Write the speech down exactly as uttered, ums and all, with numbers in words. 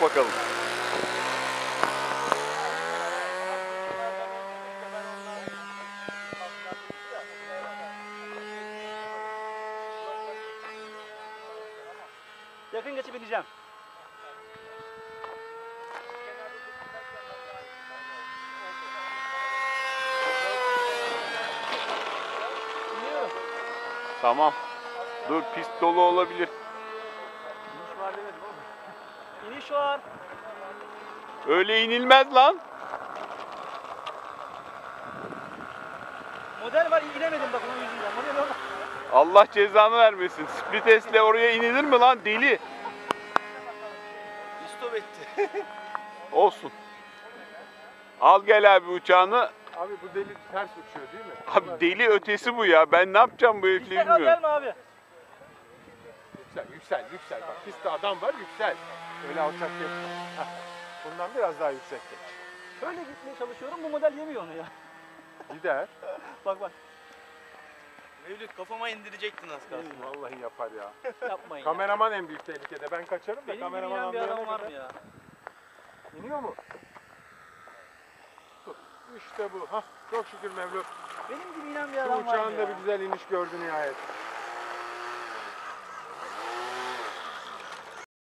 Bak bakalım. Yakın geçip ineceğim. Tamam. Dur, pist dolu olabilir. İniş var demedim oğlum. İniş var. Öyle inilmez lan. Model var, inemedim bak onun yüzünden. Model orada. Allah cezanı vermesin. Splites'le oraya inilir mi lan deli? İstop etti. Olsun. Al gel abi uçağını. Abi bu deli ters uçuyor değil mi? Abi deli ötesi bu ya. Ben ne yapacağım bu herifle İşte kal bilmiyorum. gelme abi. Yüksel, yüksel, yüksel. Bak pistte adam var, yüksel. Öyle alçak değil. Hah. Bundan biraz daha yüksekte. Böyle gitmeye çalışıyorum, bu model yemiyor onu ya. Gider. Bak bak. Mevlüt kafama indirecektin az kalsın. Vallahi yapar ya. Yapmayın ya. Kameraman en büyük tehlikede. Ben kaçarım da Benim gibi kameraman inen bir anlayana adam var kadar. mı ya? İniyor mu? Tut. İşte bu. Hah. Çok şükür Mevlüt. Benim gibi inen bir Şu adam var mı uçağın da ya? bir güzel iniş gördü nihayet.